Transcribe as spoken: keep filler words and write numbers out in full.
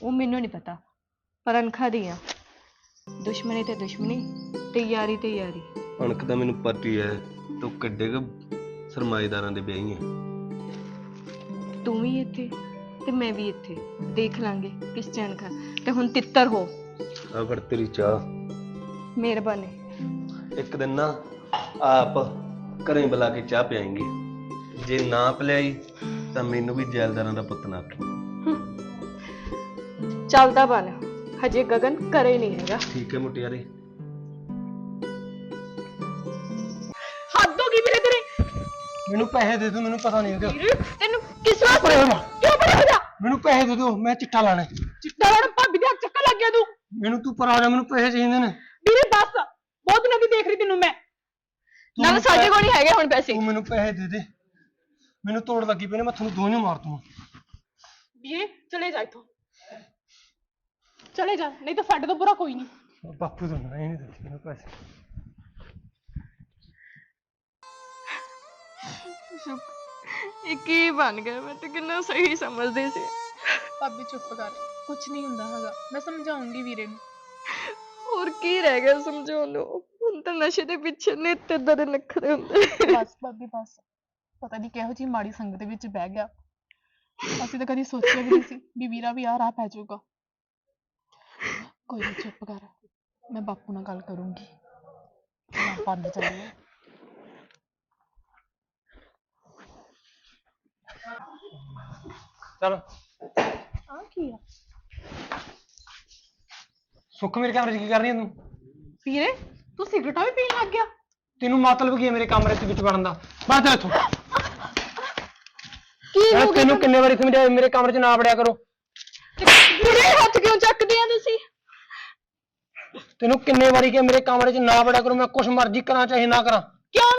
ਉਹ ਮੈਨੂੰ ਨਹੀਂ ਪਤਾ, ਪਰ ਅਣਖਾਂ ਦੀ ਆ। ਦੁਸ਼ਮਣੀ ਤੇ ਦੁਸ਼ਮਣੀ ਤੇ ਯਾਰੀ ਤੇ ਯਾਰੀ। ਅਣਖ ਤਾਂ ਮੈਨੂੰ ਪਤੀ ਹੈ, ਤੂੰ ਕਿੱਡੇ ਕੁ ਸਰਮਾਏਦਾਰਾਂ ਦੇ ਵਿਆਹੀ ਹੈ। ਤੂੰ ਵੀ ਇੱਥੇ ਤੇ ਮੈਂ ਵੀ ਇੱਥੇ, ਦੇਖ ਲਾਂਗੇ ਕਿਸ ਚ ਅਣਖਾਂ। ਤੇ ਹੁਣ ਤਿੱਤਰ ਹੋ। ਆ ਫੜ ਤੇਰੀ ਚਾਹ। ਮਿਹਰਬਾਨੀ। ਇੱਕ ਦਿਨ ਨਾ ਆਪ ਘਰੇ ਬੁਲਾ ਕੇ ਚਾਹ ਪਿਆਏਂਗੇ, ਜੇ ਨਾ ਪਿਲਾਈ ਤਾਂ ਮੈਨੂੰ ਵੀ ਜੈਲਦਾਰਾਂ ਦਾ ਪੁੱਤ ਨਾ ਆਖੀ। ਚੱਲਦਾ ਬਣ, ਹਜੇ ਗਗਨ ਘਰੇ ਨਹੀਂ ਹੈਗਾ। ਠੀਕ ਹੈ ਮੁਟਿਆਰੇ। ਹੱਦ ਹੋ ਗਈ ਵੀਰੇ ਤੇਰੇ। ਮੈਨੂੰ ਪੈਸੇ ਦੇ ਦਿਓ, ਮੈਨੂੰ ਪਤਾ ਨਹੀਂ ਉਹਦਾ। ਵੀਰੇ ਤੈਨੂੰ ਕਿਸ ਵਾਸਤੇ ਪਰੇ ਹੋ ਜਾ। ਕਿਉਂ ਪਰੇ ਹੋ ਜਾ? ਮੈਨੂੰ ਪੈਸੇ ਦੇ ਦਿਓ, ਮੈਂ ਚਿੱਟਾ ਲਾਣਾ। ਚਿੱਟਾ ਲਾਉਣ ਭਾਬੀ ਦੇ ਹੱਥ ਚੱਕਰ ਲੱਗ ਗਿਆ ਤੂੰ। ਮੈਨੂੰ ਤੂੰ ਪਰਾ ਹੋ ਜਾ, ਮੈਨੂੰ ਪੈਸੇ ਚਾਹੀਦੇ ਨੇ। ਵੀਰੇ ਦੱਸ, ਬਹੁਤ ਦਿਨਾਂ ਦੀ ਦੇਖ ਰਹੀ ਤੈਨੂੰ ਮੈਂ। ਨਾ ਸਾਡੇ ਕੋਲ ਨਹੀਂ ਹੈਗੇ ਹੁਣ ਪੈਸੇ। ਤੂੰ ਮੈਨੂੰ ਪੈਸੇ ਦੇ ਦੇ, ਮੈਨੂੰ ਤੋੜ ਲੱਗੀ ਪਈ ਨੇ, ਮੈਂ ਤੁਹਾਨੂੰ ਦੋਨੋਂ ਮਾਰ ਦੂੰ। ਵੀਰੇ ਚਲੇ ਜਾ ਇੱਥੋਂ, ਚਲੇ ਜਾ, ਨਹੀਂ ਤਾਂ ਸਾਡੇ ਤੋਂ ਬੁਰਾ ਕੋਈ ਨਹੀਂ। ਬਾਪੂ ਤੋਂ ਨਾ ਇਹ ਨਹੀਂ ਦਿੱਤੇ ਮੈਨੂੰ ਪੈਸੇ। ਇਹ ਕੀ ਬਣ ਗਿਆ? ਮੈਂ ਤਾਂ ਕਿੰਨਾ ਸਹੀ ਸਮਝਦੀ ਸੀ। ਭਾਬੀ ਚੁੱਪ ਕਰ, ਕੁਛ ਨਹੀਂ ਹੁੰਦਾ ਹੈਗਾ, ਮੈਂ ਸਮਝਾਉਂਗੀ ਵੀਰੇ ਨੂੰ। ਹੋਰ ਕੀ ਰਹਿ ਗਿਆ ਸਮਝਾਉਣ ਨੂੰ? ਹੁਣ ਤਾਂ ਨਸ਼ੇ ਦੇ ਪਿੱਛੇ ਨਿੱਤ ਏਦਾਂ ਦੇ ਨਖਰੇ ਹੁੰਦੇ। ਬਸ ਭਾਬੀ ਬਸ, ਪਤਾ ਨਹੀਂ ਕਿਹੋ ਜਿਹੀ ਮਾੜੀ ਸੰਗਤ ਦੇ ਵਿੱਚ ਬਹਿ ਗਿਆ। ਅਸੀਂ ਤਾਂ ਕਦੀ ਸੋਚਿਆ ਵੀ ਨਹੀਂ ਸੀ ਵੀ ਵੀਰਾ ਵੀ ਆ ਰਾਹ ਪੈ ਜਾਊਗਾ। ਕੋਈ ਨਹੀਂ ਚੁੱਪ ਕਰ, ਮੈਂ ਬਾਪੂ ਨਾਲ ਗੱਲ ਕਰੂੰਗੀ। ਮੈਂ ਪੰਜ ਚੱਲੀਏ। ਚਲ ਆ ਕੀ ਆ ਸੁੱਖ, ਮੇਰੇ ਕਮਰੇ 'ਚ ਕੀ ਕਰ ਰਹੀ ਹੈ ਤੂੰ? ਵੀਰੇ, ਤੂੰ ਸਿਗਰਟਾਂ ਵੀ ਪੀਣ ਲੱਗ ਗਿਆ? ਤੈਨੂੰ ਮਤਲਬ ਕੀ ਹੈ ਮੇਰੇ ਕਮਰੇ 'ਚ ਵਿੱਚ ਵੜਨ ਦਾ? ਬਾਹਰ ਜਾ ਇੱਥੋਂ। ਕੀ ਯਾਰ ਤੈਨੂੰ ਕਿੰਨੇ ਵਾਰੀ ਸਮਝਾਇਆ ਮੇਰੇ ਕਮਰੇ 'ਚ ਨਾ ਵੜਿਆ ਕਰੋ। ਵੀਰੇ ਹੱਥ ਕਿਉਂ ਚੱਕਦੇ ਆ ਤੁਸੀਂ? ਤੈਨੂੰ ਕਿੰਨੇ ਵਾਰੀ ਕਿਹਾ ਮੇਰੇ ਕਮਰੇ 'ਚ ਨਾ ਵੜਿਆ ਕਰੋ, ਮੈਂ ਕੁਛ ਮਰਜ਼ੀ ਕਰਾਂ ਚਾਹੇ ਨਾ ਕਰਾਂ।